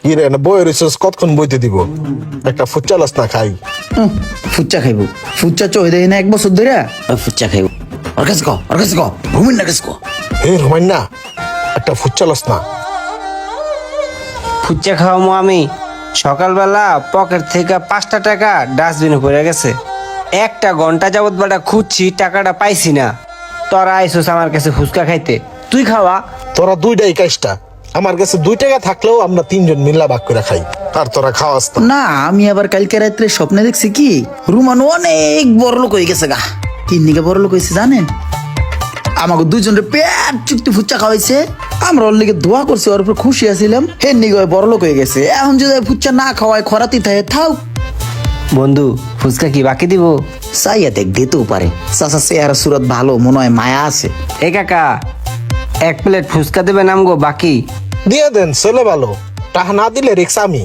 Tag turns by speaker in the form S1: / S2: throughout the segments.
S1: কি রে না বই রিসার্চ কতক্ষণ বইতে দিব একটা ফুচা লাস না খাই
S2: ফুচ্চা খাইবো ফুচ্চা চই দেয় না 1 বছর ধরে ফুচ্চা খাইবো ওর কাছে কো রুমিন না কাছে কো
S1: হে রোমান না একটা ফুচা লাস না
S3: ফুচা খাওয়ামো আমি সকালবেলা পকেট থেকে 5টা টাকা ডাস্টবিনে পড়ে গেছে 1টা ঘন্টা যাবত বাটা খুঁজছি টাকাটা পাইছি না তোরা আইসোস আমার কাছে ফুচকা খাইতে তুই খাওয়া
S1: তোরা দুইটাই কাজটা আমার কাছে 2 টাকা থাকলেও আমরা 3 জন মিল্লা ভাগ করে খাই আর তোরা খাওয়াস না
S2: না আমি আবার কালকে রাত্রে স্বপ্নে দেখছি কি রুমান অনেক বড় লোক হয়ে গেছে গা কি নিকে বড় লোক হয়েছে জানেন আমাকে দুজনের পেট চুক্তি ফুচ্চা খাওয়াইছে আমরা ওর লিগে দোয়া করছি ওর উপর খুশি আছিলাম হে নিগে বড় লোক হয়ে গেছে এখন যদি ফুচ্চা না খাওয়ায় খরাতি থাকে থাও
S3: বন্ধু ফুচকা কি বাকি দিব
S2: চাইয়া দেখ দিতেও পারে চাচা চেহারা সুরত ভালো মনে হয় মায়া আছে
S3: এ কাকা 1 প্লেট ফুচকা দেবে নামগো বাকি
S1: দিয়ে দেন ছেলে ভালো টাকা না দিলে রিক্স আমি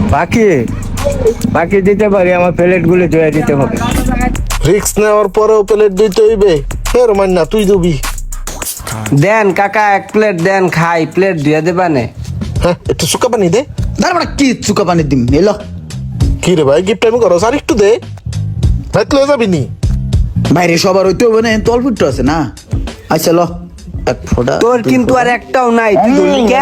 S4: বাকি দিতে পারি, আমার প্লেট গুলো ধুয়ে দিতে হবে।
S1: রিক্স নেওয়ার পরেও প্লেট দিতে হইবে হে রোমান না তুই দিবি
S3: দেন কাকা 1 প্লেট দেন খাই প্লেট ধুয়ে দেবানে
S1: হ্যাঁ একটু সুকা পানি দে
S2: তারপরে কি চুকা পানি দিম এলো
S1: কি রে ভাই গিফট আমি করো আর একটু দে ভাই তুই যাবি নি
S2: বাইরে সবার হইতে হবে না তো অল্প একটু আছে না আচ্ছা ল এক ফোঁটা
S3: তোর কিন্তু আর একটাও নাই তুই ধরলি কে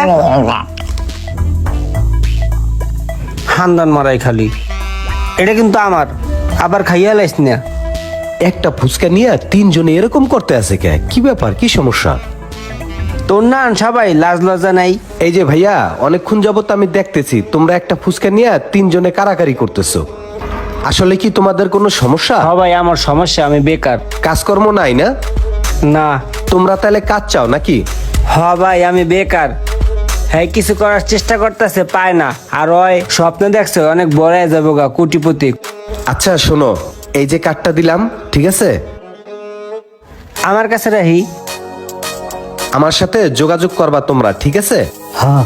S3: হান্দান মারাই খালি এটা কিন্তু আমার আবার খাইয়া লাইস না
S5: একটা ফুচকা নিয়ে 3 জনে এরকম করতে আছে কে কি ব্যাপার কি সমস্যা
S3: তোর না সবাই লাজ লজ্জা নাই
S5: এই যে ভাইয়া অনেকক্ষণ যাবত আমি দেখতেছি তোমরা একটা ফুচকা নিয়ে 3 জনে কারাকারি করতেছো আসলে কি তোমাদের কোনো সমস্যা
S3: সবাই আমার সমস্যা আমি বেকার
S5: কাজকর্ম নাই না
S3: না
S5: তোমরা তাহলে কাজ চাও নাকি
S3: ভাই আমি বেকার হ্যাঁ কিছু করার চেষ্টা করতেছে পায় না আর ওই স্বপ্ন দেখছে অনেক বড় হয়ে যাবো গা কোটিপতি
S5: আচ্ছা শোনো এই যে কার্ডটা দিলাম ঠিক আছে
S3: আমার কাছে রাহি
S5: আমার সাথে যোগাযোগ করবা তোমরা ঠিক আছে
S3: হ্যাঁ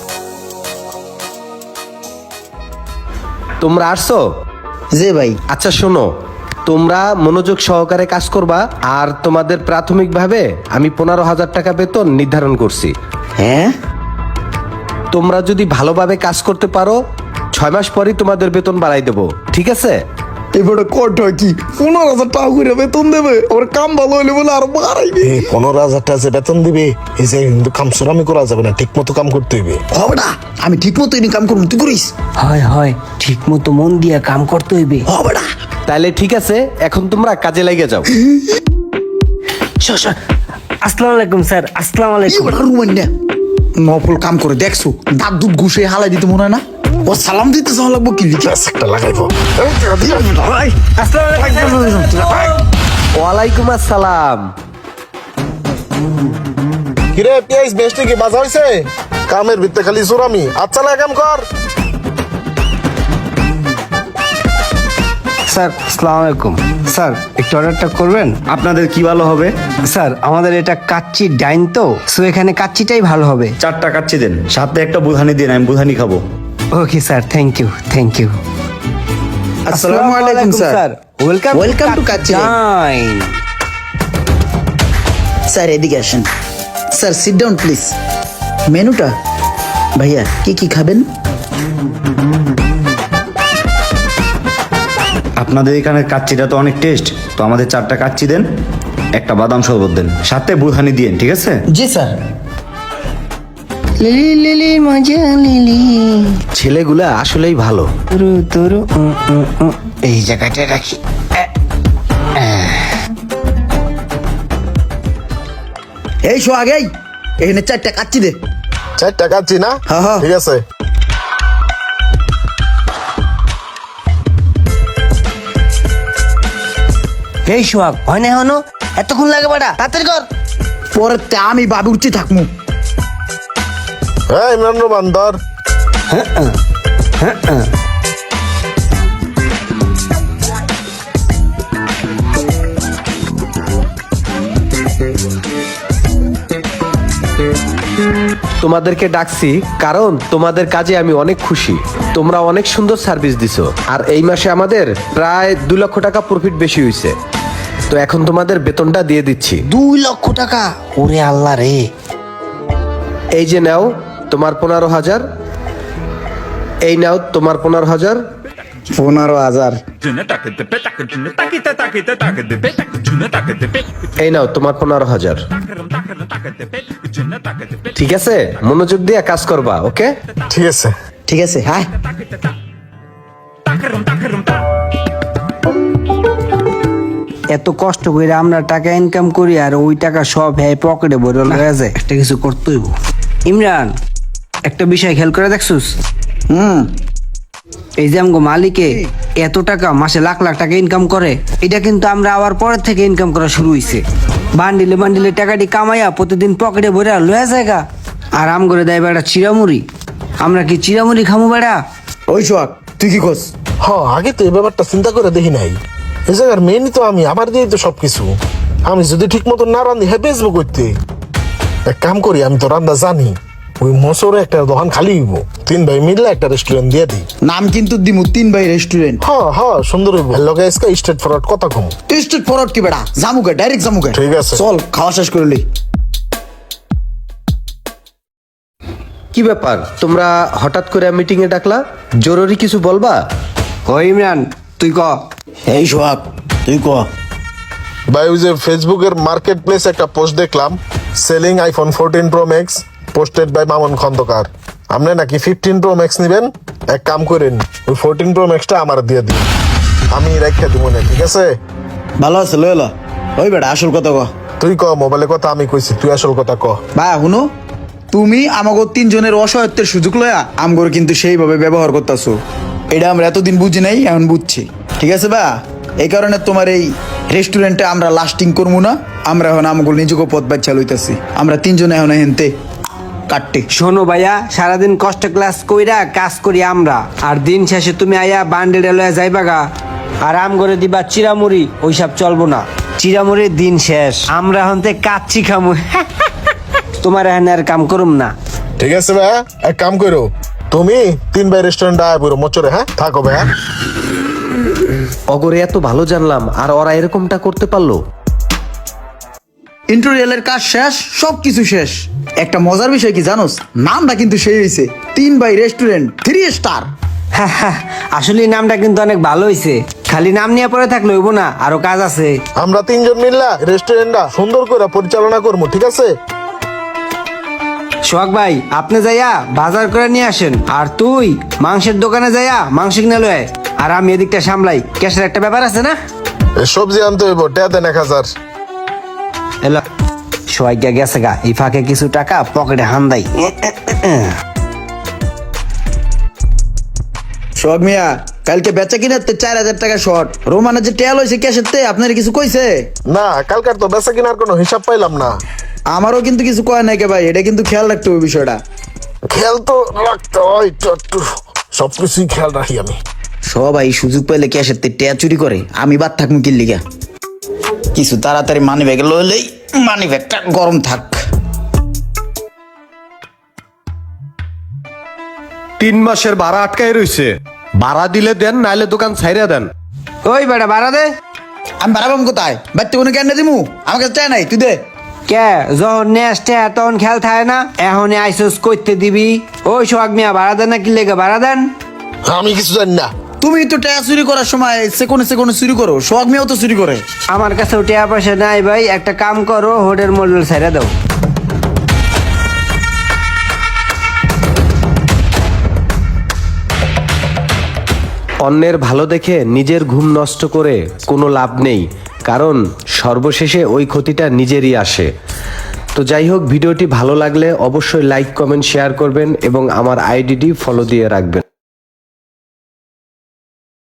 S5: তোমরা আসছো
S2: যে ভাই
S5: আচ্ছা শোনো তোমরা মনোযোগ সহকারে কাজ করবা আর তোমাদের প্রাথমিকভাবে আমি 15,000 টাকা বেতন নির্ধারণ করছি
S2: হ্যাঁ
S5: তোমরা যদি ভালোভাবে কাজ করতে পারো 6 মাস পরই তোমাদের বেতন বাড়াই দেবো ঠিক আছে
S2: এবারে কট হয় কি 15,000 টাকা করে বেতন দেবে ওর কাম ভালো হইলে বলে আর বাড়াইবে
S1: 15,000 টাকা যে বেতন দিবে এই যে কিন্তু কাম সুরামি করা যাবে না ঠিক মতো কাম করতে হইবে
S2: হবে না আমি ঠিক মতো কাম করবো তুই করিস
S3: হয় হয় ঠিক মতো মন দিয়ে কাম করতে হইবে
S2: হবে না
S5: তাহলে ঠিক আছে এখন তোমরা কাজে লেগে যাও
S3: আসসালামু আলাইকুম স্যার আসসালামু আলাইকুম
S2: এবার রুমান না নফল কাম করে দেখছো দাঁত দুধ ঘুষে হালাই দিতে মনে হয় না ও সালাম দিতে যাওয়া লাগবো কি লিখে
S1: ব্যাস একটা লাগাইবো
S5: ওয়ালাইকুম আসসালাম
S1: কিরে পিয়াইস বেস্টে কি বাজা হইছে কামের ভিতরে খালি সুরামি আচ্ছা না কাম কর
S3: স্যার আসসালামু আলাইকুম স্যার একটু অর্ডারটা করবেন
S4: আপনাদের কি ভালো হবে?
S3: স্যার আমাদের এটা কাচ্চি ডাইন তো সো এখানে কাচ্চিটাই ভালো হবে
S4: 4টা কাচ্চি দেন, সাথে একটা বুধানি দিন, আমি বুধানি খাবো।
S3: ওকে স্যার থ্যাংক ইউ
S2: আসসালামু আলাইকুম sir
S3: welcome
S2: Welcome to Kacchi dine. Sir এদিকে আসেন স্যার সিট ডাউন প্লিজ মেনুটা ভাইয়া কি কি খাবেন
S4: আপনাদের এখানে কাচ্চিটা তো অনেক টেস্ট, তো আমাদের 4টা কাচ্চি দেন, একটা বাদাম শরবত দেন, সাথে বুধানি দিন, ঠিক আছে?
S2: জি স্যার
S3: লিলি লিলি মজা লিলি
S5: ছেলেগুলা আসলেই ভালো
S3: তুরু তুরু এই জায়গাটা রাখি
S2: এই শো আগেই এখানে 4টা কাচ্চি দে
S1: 4 টাকা আছি না
S2: হ্যাঁ, হ্যাঁ।
S1: ঠিক আছে
S3: এই সোহাগ হয় না হনো এতক্ষণ লাগে বাড়া তাড়াতাড়ি কর
S2: পরে তে আমি বাবু উঠছি থাকমু
S1: হ্যাঁ ইমরান রোমান ধর
S5: তোমাদেরকে ডাকছি কারণ তোমাদের কাজে আমি অনেক খুশি তোমরা অনেক সুন্দর সার্ভিস দিছো আর এই মাসে আমাদের প্রায় 2 লক্ষ টাকা প্রফিট বেশি হয়েছে তো এখন তোমাদের বেতনটা দিয়ে দিচ্ছি
S3: 2 লক্ষ টাকা ওরে আল্লাহ রে
S5: এই যে নাও তোমার 15,000 এই নাও তোমার 15,000।
S2: 15,000।
S5: এই নাও তোমার 15,000। ঠিক আছে, মনোযোগ দিয়ে কাজ করবা, ওকে?
S1: ঠিক আছে।
S2: ঠিক আছে, হ্যাঁ।
S3: এত কষ্ট করে আমরা টাকা ইনকাম করি আর ওই টাকা সব হ্যাঁ পকেটে ভরে লয়ে যায়। একটা কিছু করতেই হইব। ইমরান, একটা বিষয় খেয়াল করে দেখছুস? এই যে আমগো মালিকে এত টাকা মাসে লাখ লাখ টাকা ইনকাম করে, এটা কিন্তু আমরা আবার পরের থেকে ইনকাম করা শুরু হইছে। বান্ডিলে বান্ডিলে টাকাটি কামাইয়া প্রতিদিন পকেটে ভরে লয়ে জায়গা। আর আম করে দেয় বেড়া চিরামুড়ি। আমরা কি চিরামুড়ি খামু বেড়া?
S2: ওই সোহাগ, তুই কি করস?
S1: আগে তো এই ব্যাপারটা চিন্তা করে দেখি নাই। এই জায়গার মেনই তো আমি, আমার দিয়ে তো সবকিছু। আমি যদি ঠিক মতো না রান্ধি হ্যাঁ বেচবো করতে। এক কাম করি, আমি তো রান্না জানি, ওই মোসরে একটা দোকান খালি হইব, 3 ভাই মিললে একটা রেস্টুরেন্ট দিয়ে দিই।
S2: নাম কিন্তু দিমু 3 ভাই রেস্টুরেন্ট।
S1: সুন্দর হইব। লগে আজকে স্ট্রেট ফরওয়ার্ড কথা কম।
S2: স্ট্রেট ফরওয়ার্ড কি বেড়া? জামুকে, ডাইরেক্ট জামুকে।
S1: ঠিক আছে।
S2: চল, খাওয়া শেষ করে লই।
S5: কি ব্যাপার, তোমরা হঠাৎ করে মিটিং এ ডাকলা? জরুরি কিছু বলবা?
S3: ও ইমরান, তুই ক।
S2: এই সোহাগ, তুই ক।
S1: ভাই ওই যে ফেসবুকের মার্কেট প্লেস একটা পোস্ট দেখলাম, selling iPhone 14 pro max, posted by Mamun Khandakar. আপনি নাকি 15 প্রো ম্যাক্স নিবেন। এক কাম করেন, ওই 14 প্রো ম্যাক্সটা আমার দিয়ে দিন, আমি রেখে দিব না, ঠিক আছে?
S2: ভালো আছে, লই ল। ওই বেড়া, আসল কথা ক।
S1: তুই ক, মোবাইলের কথা আমি কইছি, তুই আসল কথা ক।
S2: ভাই শুনো, তুমি আমাকে 3 জনের অসহায়ত্বের সুযোগ লয়া আমগর কিন্তু সেইভাবে ব্যবহার করতেছো। এটা আমরা এতদিন বুঝি নাই, এখন বুঝছি, ঠিক আছে বা? এই কারণে তোমার এই রেস্টুরেন্টে আমরা লাস্টিং করবো না। আমরা এখন আমগুলো নিজেকে পথ বাচ্চা লইতেছি। আমরা 3 জনে এখন হেনতে কাটতে।
S3: শোনো ভাইয়া, সারাদিন কষ্ট ক্লাস কইরা কাজ করি আমরা, আর দিন শেষে তুমি আয়া বান্ডেল লয়ে যাইবা গা আর আম করে দিবা চিরামুড়ি। ওইসব চলবো না, চিরামুড়ির দিন শেষ। আমরা হন্তে কাচ্চি খামু। তোমার এখানে আর কাম করুম না।
S1: ঠিক আছে ভাই, এক কাম করো, তুমি 3 ভাই রেস্টুরেন্ট আয় পুরো মোচরে, হ্যাঁ থাকো ভাই।
S5: অগরে এত ভালো জানলাম, আর ওরা এরকমটা করতে পারলো?
S2: ইন্টেরিয়ালের কাজ শেষ, সবকিছু শেষ। একটা মজার বিষয় কি জানোস? নামটা কিন্তু সেই হয়েছে 3 ভাই রেস্টুরেন্ট 3 স্টার।
S3: আসলে এই নামটা কিন্তু অনেক ভালো হইছে। খালি নাম নিয়ে পরে থাকলে হইব না, আরো কাজ আছে।
S1: আমরা 3 জন মিললা রেস্টুরেন্টটা সুন্দর করে পরিচালনা করবো, ঠিক আছে?
S3: সোহাগ ভাই, আপনি যাইয়া বাজার করে নিয়ে আসেন, আর তুই মাংসের দোকানে যাইয়া মাংস কিনে লয়, আর আমি এদিকটা সামলাই। ক্যাশের একটা ব্যাপার আছে না?
S1: এই সবজি আনতে হইব, টেয়া দেন 1000।
S3: এলো, সোহাগ গেছে গা, এই ফাঁকে কিছু টাকা পকেটে হান্দাই।
S2: সোহাগ মিয়া, কালকে বেচা কিনাতে 4000 টাকা শর্ট। রোমানের যে টেল হয়েছে ক্যাশের তে, আপনার কিছু কইছে?
S1: না, কালকার তো বেচা কিনার কোনো হিসাব পাইলাম না।
S2: আমারও কিন্তু কিছু কয় নাই কে ভাই, এটা কিন্তু খেয়াল রাখতে হবে বিষয়টা।
S1: খেয়াল তো রাখতে হয়, একটু সবকিছুই খেয়াল রাখি আমি।
S2: সবাই সুযোগ পাইলে ক্যাশের তে টেয়া চুরি করে, আমি বাদ থাকবো কি লিগা? কিছু তাড়াতাড়ি মানি ব্যাগে লইলেই মানি ব্যাগটা গরম থাক।
S5: 3 মাসের ভাড়া আটকায় রইছে। ভাড়া দিলে দেন, নাইলে দোকান ছাইরা দেন।
S3: ওই বেটা ভাড়া দে।
S2: আমি বাড়াবাম কোথায়? বাড়তে কোনো কেন দিমু? আমার কাছে চাই নাই, তুই দে।
S3: কে যখন নেস্টে তখন খেয়াল থাকে না? এখন আইসোস করতে দিবি? ওই সোহাগ মিয়া, ভাড়া দেন না, কি লেগে ভাড়া দেন?
S1: আমি কিছু জানি না।
S2: তুমি তো টেয়া চুরি করার সময় সেকোনে সেকোনে চুরি করো, সোহাগ মিয়াও তো চুরি করে।
S3: আমার কাছে টাকা পয়সা নাই ভাই, একটা কাম করো, হোটেল মডেল ছেড়ে দাও।
S5: অন্যের ভালো দেখে নিজের ঘুম নষ্ট করে কোনো লাভ নেই, কারণ সর্বশেষে ওই ক্ষতিটা নিজেরই আসে। তো যাই হোক, ভিডিওটি ভালো লাগলে অবশ্যই লাইক, কমেন্ট, শেয়ার করবেন এবং আমার আইডিটি ফলো দিয়ে রাখবেন।